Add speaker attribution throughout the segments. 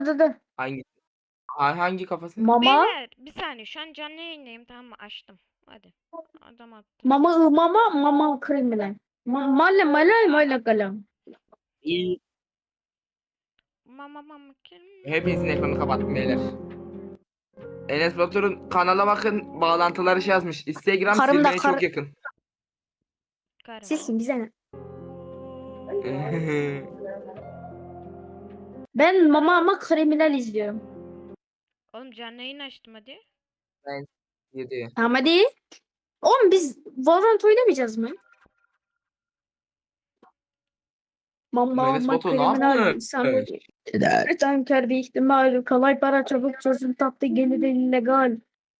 Speaker 1: Dur.
Speaker 2: Hangi hangi kafası?
Speaker 1: Mama.
Speaker 3: Beyler bir saniye şu an canlı yayındayım, tamam mı? Açtım. Hadi. Adam attı.
Speaker 1: Mama kriminal. Mala kalam.
Speaker 2: İyi.
Speaker 3: Mama kim?
Speaker 2: Hepinizin ekranını kapattım beyler. Enes Batur'un kanala bakın, bağlantıları şey yazmış. Instagram
Speaker 1: Karım da
Speaker 2: silmeye çok yakın.
Speaker 3: Karım.
Speaker 1: Silsin bize ne? Ben mama kriminal izliyorum.
Speaker 3: Oğlum canlı yayın açtım hadi.
Speaker 2: Ben 7.
Speaker 1: Tamam hadi. Oğlum biz Valorant oynamayacağız mı?
Speaker 2: Enes Batur ne
Speaker 1: kriminal
Speaker 2: yapmış?
Speaker 1: insan. Tanker bir ihtimal. Kolay para çabuk çözüm tatlı gelir illegal.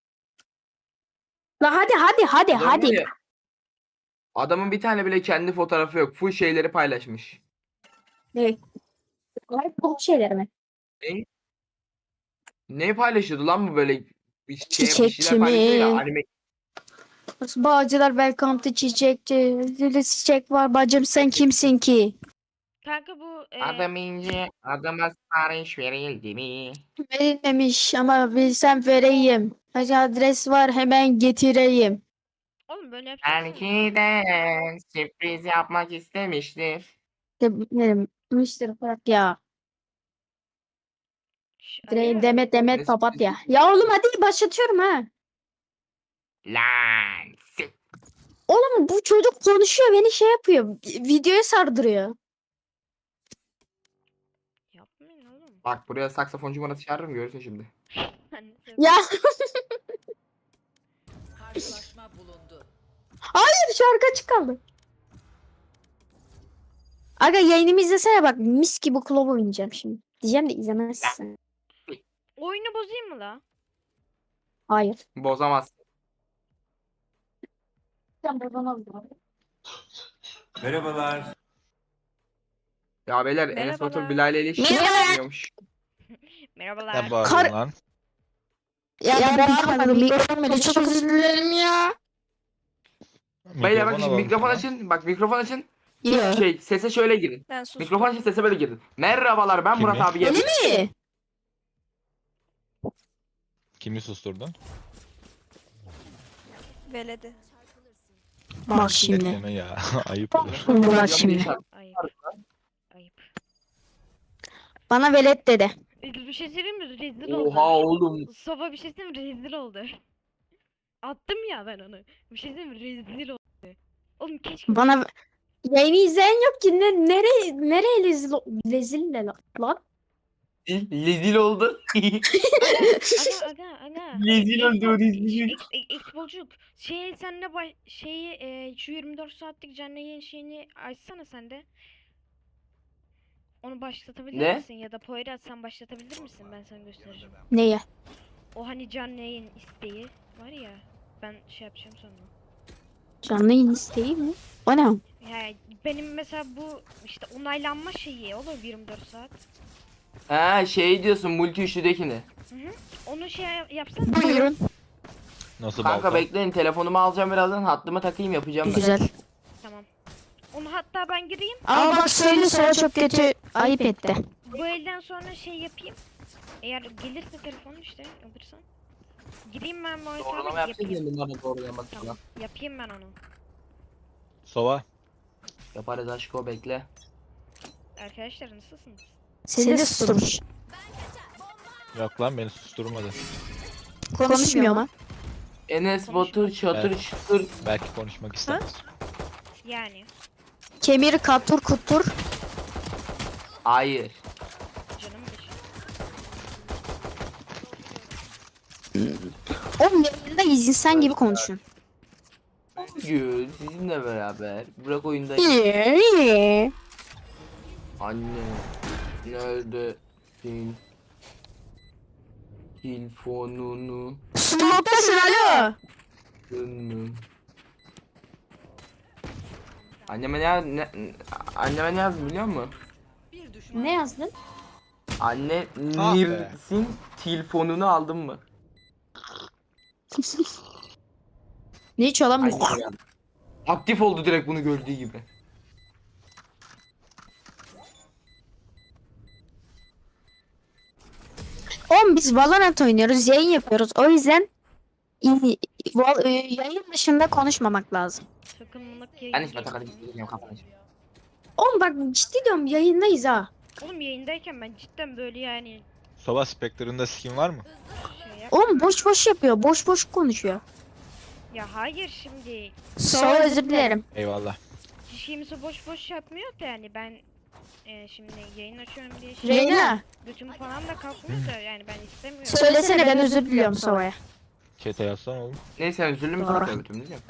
Speaker 1: La hadi
Speaker 2: Adam var
Speaker 1: hadi.
Speaker 2: ya, adamın bir tane bile kendi fotoğrafı yok. Full şeyleri paylaşmış.
Speaker 1: Ne? Kolay bu şeyler mi?
Speaker 2: Ne? Ne paylaşıyordu lan bu böyle bir
Speaker 1: Çiçekçi
Speaker 2: şeyler paylaşıyor ya,
Speaker 1: mi?
Speaker 2: anime.
Speaker 1: Bağcılar welcome to çiçekçi. Zili çiçek var bacım sen kimsin ki?
Speaker 3: Kanka bu
Speaker 2: Adam ince, adama sipariş verildi mi?
Speaker 1: Verilmemiş ama bilsem vereyim. Hacı adres var hemen getireyim.
Speaker 3: oğlum böyle yapacaksın.
Speaker 2: Belki de sürpriz yapmak istemiştir.
Speaker 1: Müşteri bırak ya.
Speaker 3: Aga,
Speaker 1: Demet papatya. Ya oğlum hadi başlatıyorum ha.
Speaker 2: Lan.
Speaker 1: Oğlum bu çocuk konuşuyor beni şey yapıyor. Videoya sardırıyor.
Speaker 3: yapmayın oğlum.
Speaker 2: Bak buraya saksafoncu bana çağırırım, görürsün şimdi.
Speaker 3: Ben de seviyorum.
Speaker 1: Ya
Speaker 4: Karşılaşma bulundu.
Speaker 1: hayır şarkı açık kaldı. Aga yayınımı izlesene bak mis gibi klov oynayacağım şimdi. Diyeceğim de izlemezsin.
Speaker 3: Oyunu bozayım mı la?
Speaker 1: Hayır.
Speaker 2: Bozamaz.
Speaker 5: Merhabalar.
Speaker 2: Ya beyler, Enes Batur
Speaker 3: Merhabalar.
Speaker 2: Bilal ile ilişki yapıyormuş.
Speaker 3: Merhabalar.
Speaker 6: Ne bağırıyorsun lan?
Speaker 1: Ya ben bağırmadım. Mikrofon böyle çok özür dilerim ya.
Speaker 2: Beyler bak
Speaker 6: Mikrofona
Speaker 2: şimdi
Speaker 6: bağlı
Speaker 2: mikrofon
Speaker 6: lan.
Speaker 2: açın. Bak mikrofon açın.
Speaker 1: Yok.
Speaker 2: Sese şöyle girin.
Speaker 3: Ben sustum.
Speaker 2: Mikrofon açın, sese böyle girin. Merhabalar, ben
Speaker 6: Kimi?
Speaker 2: Murat abi.
Speaker 1: Öyle mi?
Speaker 6: Kimi susturdun?
Speaker 7: Veledi.
Speaker 1: Bak şimdi.
Speaker 6: Bekleme ya. Ayıp olur.
Speaker 1: Bak şimdi.
Speaker 3: Ayıp. Ayıp.
Speaker 1: Bana velet dedi.
Speaker 3: Bir şey söyleyeyim mi? Rezil oldu.
Speaker 2: Oha oğlum.
Speaker 3: Sofa bir şey söyleyeyim mi? Rezil oldu. Attım ya ben onu. Bir şey söyleyeyim mi? Rezil oldu. Oğlum keşke...
Speaker 1: Bana yayını izleyen yok ki nereye rezil ne lan?
Speaker 2: Rezil oldu.
Speaker 3: Aga.
Speaker 2: Rezil oldu. Rezil.
Speaker 3: Exbolcuk. Sen de şu 24 saatlik canlı yayın şeyini açsana sen de. Onu başlatabilir
Speaker 2: Ne?
Speaker 3: misin? Ya da Poyraz sen başlatabilir misin? Ben sana göstereceğim.
Speaker 1: Neye?
Speaker 3: O hani canlı yayın isteği var ya. Ben şey yapacağım sonra.
Speaker 1: Canlı yayın isteği mi? O ne?
Speaker 3: Ya benim mesela bu işte onaylanma şeyi olur 24 saat.
Speaker 2: Ha şey diyorsun, multi üçlüdekini.
Speaker 3: Onu şey yapsana.
Speaker 1: Buyurun.
Speaker 6: Nasıl
Speaker 2: Kanka
Speaker 6: balkon?
Speaker 2: bekleyin, telefonumu alacağım birazdan, hattımı takayım, yapacağım ben.
Speaker 1: Güzel.
Speaker 3: Tamam. Onu hatta ben gireyim.
Speaker 1: Ama bak söyle sonra çok kötü ayıp etti.
Speaker 3: Bu elden sonra şey yapayım. Eğer gelirse telefonu işte alırsan. Gireyim ben bu hesaba
Speaker 2: Doğrulama yapacağız ya,
Speaker 3: yapayım.
Speaker 2: bunları doğrulaması falan.
Speaker 3: Tamam. Yapayım ben onu.
Speaker 6: Sova.
Speaker 2: Yaparız aşko, bekle.
Speaker 3: Arkadaşlar nasılsınız?
Speaker 1: Seni de susturmuş.
Speaker 6: Yok lan beni susturmadı.
Speaker 1: Konuşmuyor ama.
Speaker 2: Enes Batur çatır
Speaker 6: Evet.
Speaker 2: çatır.
Speaker 6: Belki konuşmak istemez.
Speaker 3: Yani.
Speaker 1: Kemir katur kutur.
Speaker 2: Hayır.
Speaker 3: Canım beşim.
Speaker 1: Oğlum yayında insan gibi konuşun.
Speaker 2: Bugün sizinle beraber bırak oyunda. Anne neredesin? Telefonunu
Speaker 1: Smoke'tasın alo.
Speaker 2: dönün. Anneme ne yazdım biliyor musun?
Speaker 4: Bir düşman.
Speaker 1: Ne yazdın?
Speaker 2: Anne
Speaker 6: Ah be.
Speaker 2: Nirsin telefonunu aldın mı?
Speaker 1: Ne içiyor lan bu?
Speaker 2: Anne geldi. Aktif oldu direkt bunu gördüğü gibi.
Speaker 1: Oğlum biz Valorant oynuyoruz, yayın yapıyoruz. O yüzden yayın dışında konuşmamak lazım.
Speaker 3: Takımlık
Speaker 2: Ben
Speaker 3: yayın.
Speaker 2: hiç batakada gideceğim kafanı.
Speaker 1: Oğlum bak ciddi diyorum yayındayız ha.
Speaker 3: Oğlum yayındayken ben cidden böyle yani
Speaker 6: Sova Spectre'ında skin var mı?
Speaker 3: şey yap.
Speaker 1: Oğlum boş boş yapıyor, boş boş konuşuyor.
Speaker 3: Ya hayır şimdi
Speaker 1: Sonra özür dilerim.
Speaker 6: Eyvallah.
Speaker 3: kimse boş boş yapmıyor da yani ben şimdi yayın açıyorum diye
Speaker 1: Reyna
Speaker 3: götüm falan da kalkmıyor da yani ben istemiyorum.
Speaker 1: söylesene ben özür diliyorum Sova'ya.
Speaker 6: Chat'e yazsan oğlum.
Speaker 2: Neyse üzüldüm
Speaker 1: Doğru.
Speaker 2: zaten götümü diyeceğim.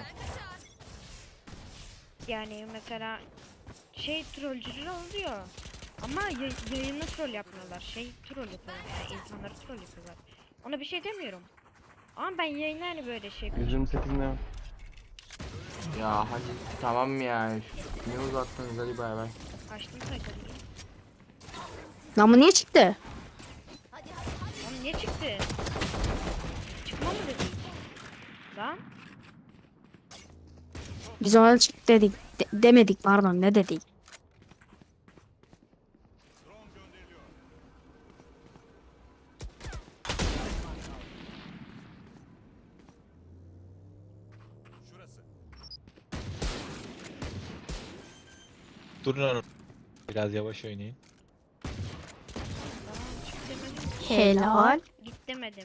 Speaker 3: Yani mesela şey trollcüler oluyor. Ama yayını troll yapmıyorlar. Şey troll yapıyorlar yani insanları troll yapıyorlar. Ona bir şey demiyorum. Ama ben yayında hani böyle şey yapıyorum.
Speaker 5: 128 ne?
Speaker 2: Ya hadi tamam ya. Niye uzattınız hadi bay bay.
Speaker 3: Açtım sayfayı.
Speaker 1: Lan bu niye çıktı?
Speaker 3: Oğlum niye çıktı? Çıkma mı dedi? Lan
Speaker 1: Biz ona çık dedik. Demedik pardon, ne dedik?
Speaker 6: Durun hanım. Biraz yavaş oynayın.
Speaker 3: tamam çık demedim.
Speaker 1: Helal.
Speaker 3: Git demedim.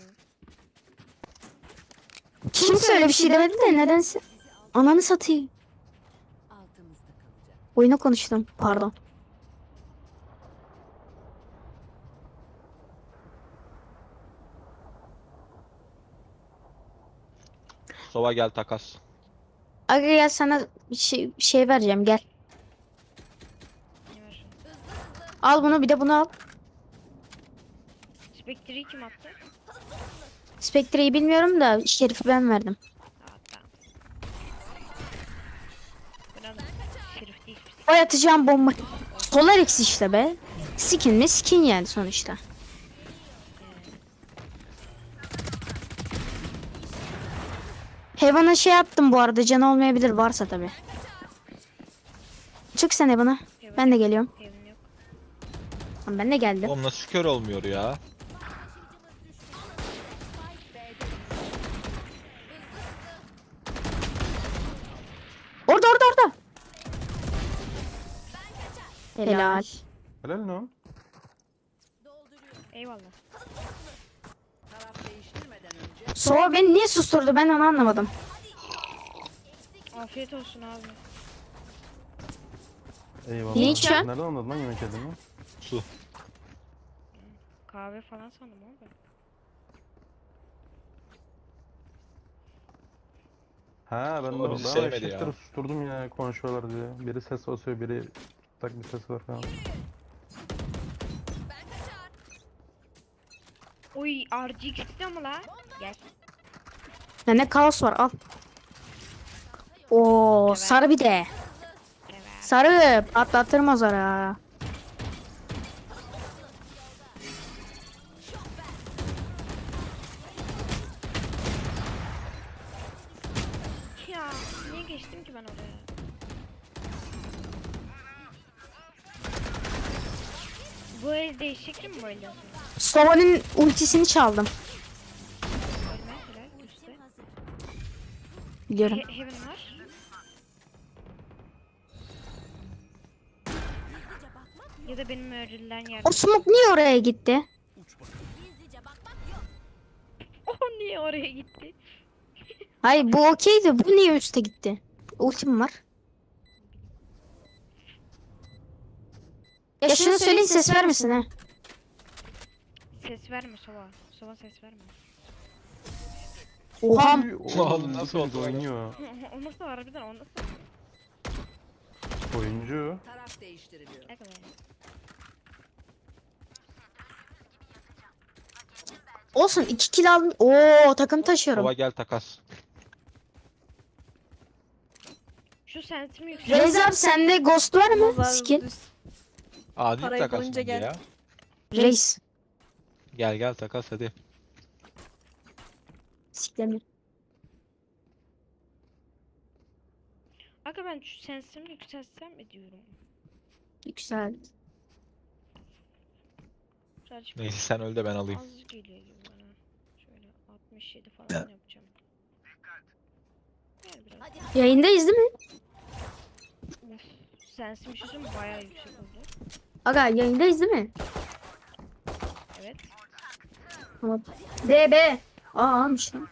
Speaker 1: Kimse öyle bir şey demedi de nedense. Ananı satayım.
Speaker 4: Altımızda kalacak.
Speaker 1: Oyuna konuştum pardon.
Speaker 6: Sova gel takas.
Speaker 1: Aga gel sana bir şey vereceğim gel.
Speaker 3: Ne var şimdi?
Speaker 1: Al bunu bir de bunu al.
Speaker 3: Spectre'yi kim attı?
Speaker 1: Spectre'yi bilmiyorum da Şerif'i ben verdim.
Speaker 3: Aa tamam. Buranın şerif değil.
Speaker 1: O atacağım bomba. Solar X işte be. Skin mi skin yani sonuçta. Heaven'a şey attım bu arada, can olmayabilir varsa tabi. Çık sen Heaven'a. Ben de geliyorum.
Speaker 3: Evim yok.
Speaker 1: Tamam, ben de geldim.
Speaker 6: Oğlum nasıl kör olmuyor ya?
Speaker 1: Orada. Helal.
Speaker 5: Helal ne o?
Speaker 3: Eyvallah.
Speaker 4: Taraf değiştirmeden önce
Speaker 1: Sova beni niye susturdu, ben onu anlamadım.
Speaker 3: Afiyet olsun abi.
Speaker 5: Eyvallah.
Speaker 1: Ne içiyorsun?
Speaker 5: Nereden anladın lan yemek yediğimi?
Speaker 6: Su.
Speaker 3: Kahve falan sandım ama ben.
Speaker 5: Ha ben de
Speaker 6: Baba bizi
Speaker 5: orada
Speaker 6: sevmedi ya.
Speaker 5: eşekleri susturdum ya konuşuyorlar diye. Biri ses basıyor, biri tak bir ses var falan.
Speaker 3: Oy RGX istiyor mu la? Gel.
Speaker 1: Bende kaos var, al. Oo sarı bir de.
Speaker 3: Evet.
Speaker 1: Sarı patlatırım o zara.
Speaker 3: Ya niye geçtim ki ben oraya? Bu el değişik mi böyle?
Speaker 1: Sova'nın ultisini çaldım.
Speaker 3: Ölme helal üstte.
Speaker 1: Biliyorum.
Speaker 3: Heaven var. Ya da benim öğrenilen yer.
Speaker 1: O smoke niye oraya gitti?
Speaker 3: O niye oraya gitti?
Speaker 1: Hayır bu okeydi, bu niye üste gitti? Ultim var. Ya şunu söyleyin, ses vermesin ha.
Speaker 3: Ses verme Sova. Sova ses verme.
Speaker 1: Oha.
Speaker 6: Oğlum nasıl
Speaker 5: bu
Speaker 6: oldu
Speaker 5: çocuk
Speaker 6: öyle?
Speaker 5: oynuyor.
Speaker 3: O nasıl harbiden o nasıl?
Speaker 5: Oyuncu.
Speaker 4: taraf değiştiriliyor.
Speaker 3: Ne kadar?
Speaker 1: Olsun 2 kill aldım. Oo takım taşıyorum.
Speaker 6: Sova gel takas.
Speaker 3: Şu sensim yüksek.
Speaker 1: Reis abi sende ghost var mı?
Speaker 7: Vallahi
Speaker 1: Skin.
Speaker 7: düz.
Speaker 6: Adil
Speaker 7: Parayı
Speaker 6: takas
Speaker 7: bulunca
Speaker 6: bence
Speaker 7: gel.
Speaker 6: ya.
Speaker 1: Reis.
Speaker 6: Gel takas hadi.
Speaker 1: Siklemi.
Speaker 3: Aga ben şu sensimi yükseltsem mi diyorum?
Speaker 1: Güzel.
Speaker 3: Birazcık
Speaker 6: Neyse sen öl de ben alayım.
Speaker 3: az geliyor gibi bana. Şöyle 67 falan yapacağım. Gel biraz.
Speaker 1: Yayındayız değil mi?
Speaker 3: Of, sensin bir şey söyleyeyim mi? Bayağı yüksek oldu.
Speaker 1: Aga yayındayız değil mi?
Speaker 3: Evet.
Speaker 1: Tamam. DB. Almış lan.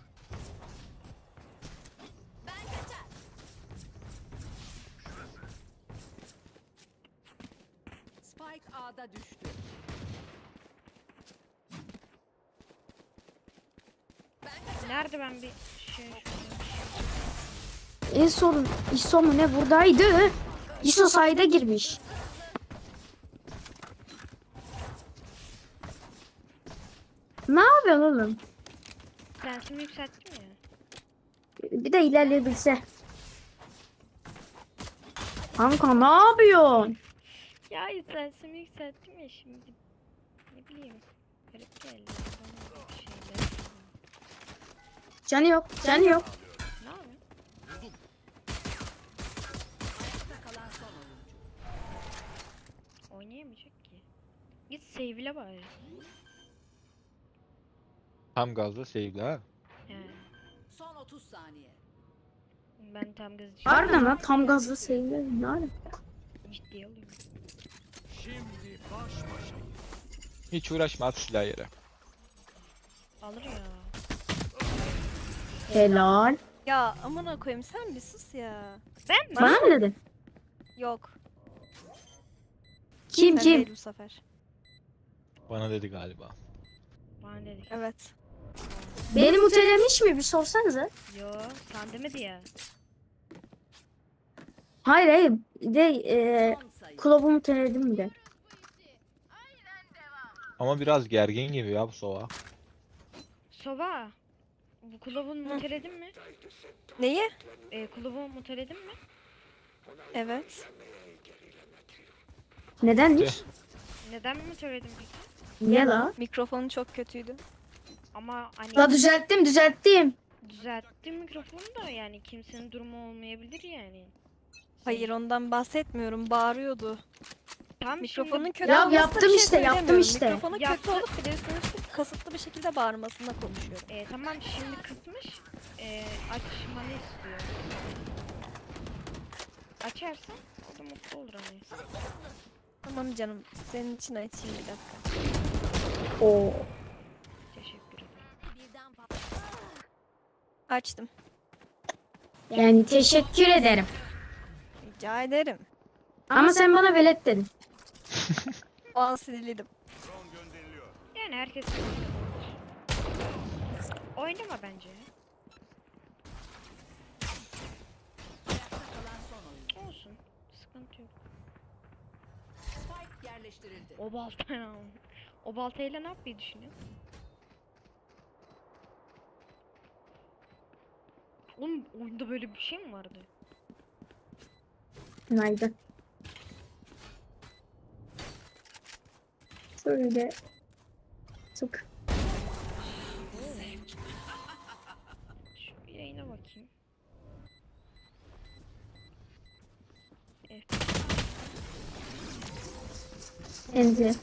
Speaker 4: Spike A'da düştü.
Speaker 3: Nerede ben bir şey
Speaker 1: En son ISO mu ne buradaydı? ISO sayda girmiş. Ne yapıyorsun oğlum?
Speaker 3: sensimi yükselttim ya.
Speaker 1: Bir de ilerleyebilse. Kanka ne yapıyorsun?
Speaker 3: Ya sensimi yükselttim ya şimdi. Ne bileyim. Garip geldi. Bana bir şeyler.
Speaker 1: Canı yok, canı yok.
Speaker 3: Ne yapayım?
Speaker 4: Ayakta kalan son oyuncu.
Speaker 3: Oynayamayacak ki. Git save'le bari.
Speaker 6: Tam gazla sevgili ha.
Speaker 3: He.
Speaker 4: Son 30 saniye.
Speaker 3: Ben tam gaz
Speaker 1: Harbiden lan tam gazlı seviyorum. Ne alaka?
Speaker 3: ciddiye alıyorum.
Speaker 6: Hiç uğraşma at silahı yere.
Speaker 3: Alır ya.
Speaker 1: Helal.
Speaker 7: Ya amına koyayım sen bir sus ya.
Speaker 3: Ben mi?
Speaker 1: Bana mı dedin?
Speaker 7: Yok.
Speaker 1: Kim
Speaker 7: Ben
Speaker 1: kim?
Speaker 7: değil bu sefer.
Speaker 6: Bana dedi galiba.
Speaker 3: Bana dedik.
Speaker 7: Evet.
Speaker 1: Beni mutelemiş mi? Bir sorsanıza.
Speaker 3: Yo sen demedi ya.
Speaker 1: Hayır hayır. De
Speaker 4: Son sayı.
Speaker 1: kulübü muteledim de.
Speaker 6: Ama biraz gergin gibi ya bu sova.
Speaker 3: Sova. Bu kulübün muteledin mi?
Speaker 7: Neyi?
Speaker 3: Kulübün muteledin mi?
Speaker 7: Evet.
Speaker 1: Nedenmiş?
Speaker 3: Neden mi muteledin peki?
Speaker 1: Niye la?
Speaker 7: Mikrofonu çok kötüydü.
Speaker 3: Ama hani
Speaker 1: La düzelttim.
Speaker 3: düzelttim mikrofonu da yani kimsenin durumu olmayabilir yani.
Speaker 7: Hayır ondan bahsetmiyorum. Bağırıyordu.
Speaker 3: Tam
Speaker 7: Mikrofonun
Speaker 3: şimdi
Speaker 7: kötü
Speaker 1: Ya
Speaker 7: olmasına
Speaker 1: yaptım
Speaker 7: bir şey
Speaker 1: işte, yaptım
Speaker 7: söylemiyorum.
Speaker 1: işte.
Speaker 7: Mikrofonu kötü
Speaker 3: Yaptı.
Speaker 7: olup bir de üstüne üstlük kasıtlı bir şekilde bağırmasına konuşuyorum.
Speaker 3: tamam şimdi kısmış. Açmanı istiyor. Açarsan o da mutlu olur hani.
Speaker 7: Tamam canım. Senin için açayım bir dakika.
Speaker 1: Oo.
Speaker 3: Teşekkür ederim.
Speaker 7: Açtım.
Speaker 1: Yani teşekkür ederim.
Speaker 7: Rica ederim.
Speaker 1: Ama sen bana velet dedin.
Speaker 7: O an sinirliydim.
Speaker 3: Yani herkes oynama bence.
Speaker 4: Ayakta kalan son oyuncu.
Speaker 3: Olsun. Sıkıntı yok.
Speaker 4: Spike yerleştirildi.
Speaker 3: O baltayla o baltayla ne yapmayı düşünüyorsun? Oğlum oyunda böyle bir şey mi vardı?
Speaker 1: Nerede? Şöyle. Sık.
Speaker 3: Şu bir yayına bakayım. Evet.
Speaker 1: Enti.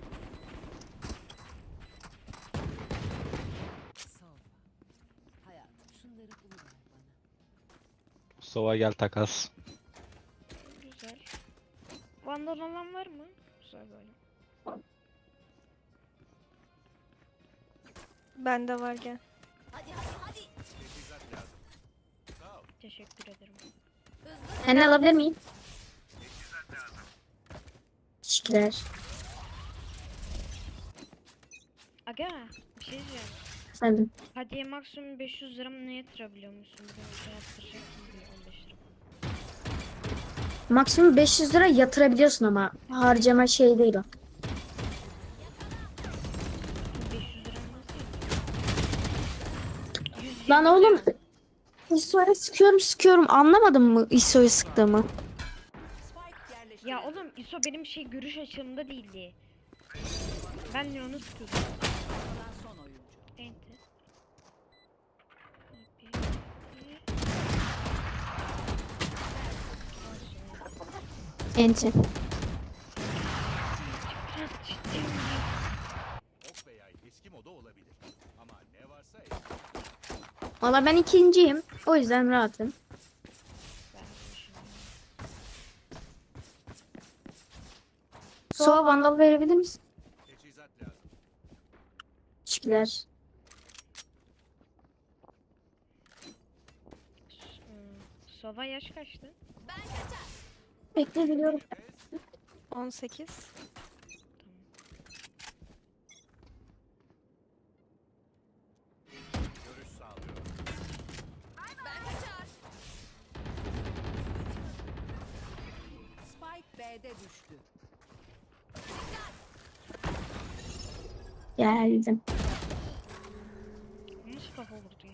Speaker 4: Sova. Hayatım şunları buluver bana.
Speaker 6: Sova gel takas.
Speaker 3: Güzel. Vandal olan var mı? Güzel böyle.
Speaker 7: Bende var gel.
Speaker 3: Teşekkür ederim.
Speaker 1: Ben de alabilir miyim? Teşekkürler.
Speaker 3: Aga bir şey diyeceğim.
Speaker 1: Efendim.
Speaker 3: Hadiye maksimum 500 lira mı ne yatırabiliyor musun? Bir de bir şey yaptıracaksın diye 15 lira.
Speaker 1: Maksimum 500 lira yatırabiliyorsun ama harcama şey değil o.
Speaker 3: 500 lira nasıl yatırıyor?
Speaker 1: Lan oğlum ISO'ya sıkıyorum anlamadın mı ISO'yu sıktığımı?
Speaker 4: Spike yerleştirildi.
Speaker 3: Ya oğlum ISO benim şey görüş açımda değildi. Ben de onu sıkıyordum.
Speaker 4: Kalan son oyuncu.
Speaker 3: Enter.
Speaker 1: Enti.
Speaker 3: Biraz ciddiyim ya.
Speaker 8: eski moda olabilir. Ama ne varsa
Speaker 1: Valla ben ikinciyim. O yüzden rahatım.
Speaker 3: Ben de düşünüyorum.
Speaker 1: Sova vandal verebilir misin?
Speaker 8: teçhizat lazım.
Speaker 1: Teşekkürler.
Speaker 3: Sova yaş kaçtı?
Speaker 1: Bekle biliyorum.
Speaker 7: 18.
Speaker 8: Görüş sağlıyorum.
Speaker 4: Spike B'de düştü.
Speaker 1: Geldim.
Speaker 3: Nasıl kafa vurdu ya?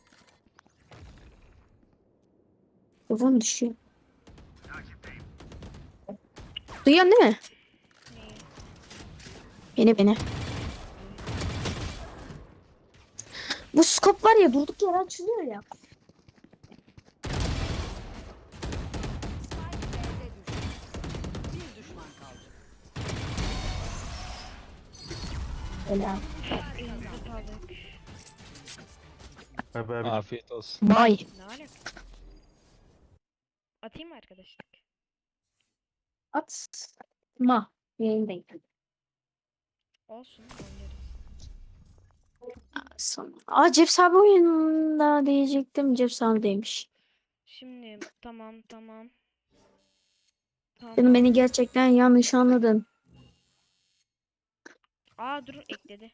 Speaker 1: Kafam düşüyor. Duyuyorsun değil mi?
Speaker 3: Neyi?
Speaker 1: Beni. Bu skop var ya durduk yere açılıyor ya.
Speaker 4: Spike B'de düştü. Bir düşman kaldı.
Speaker 1: Helal.
Speaker 3: Elinize sağlık.
Speaker 5: Abi abi.
Speaker 6: Afiyet olsun.
Speaker 1: Bay.
Speaker 3: Ne alaka? Atayım mı arkadaşlık?
Speaker 1: Atma. Yayındayım.
Speaker 3: Olsun oynarız.
Speaker 1: Sonra. Ceps abi oyunda diyecektim. Ceps abi demiş.
Speaker 3: Şimdi tamam.
Speaker 1: Canım
Speaker 3: Tamam.
Speaker 1: beni gerçekten yanlış anladın.
Speaker 3: Aa dur ekledi.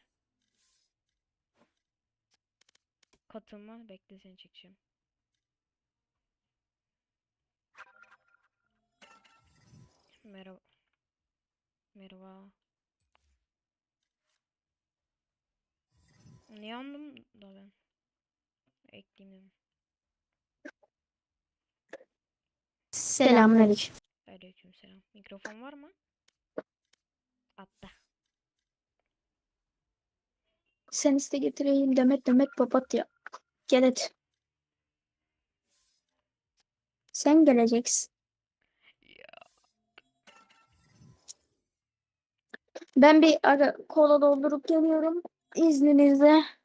Speaker 3: Katılma bekle seni çekeceğim. Merhaba. Merhaba. Niye anladım da ben? Ekleyeyim dedim.
Speaker 1: Selamünaleyküm.
Speaker 3: Aleykümselam. Mikrofon var mı? Attı.
Speaker 1: Sen iste getireyim Demet papatya. Gel hadi. Sen geleceksin. Ben bir ara kola doldurup geliyorum. İzninizle.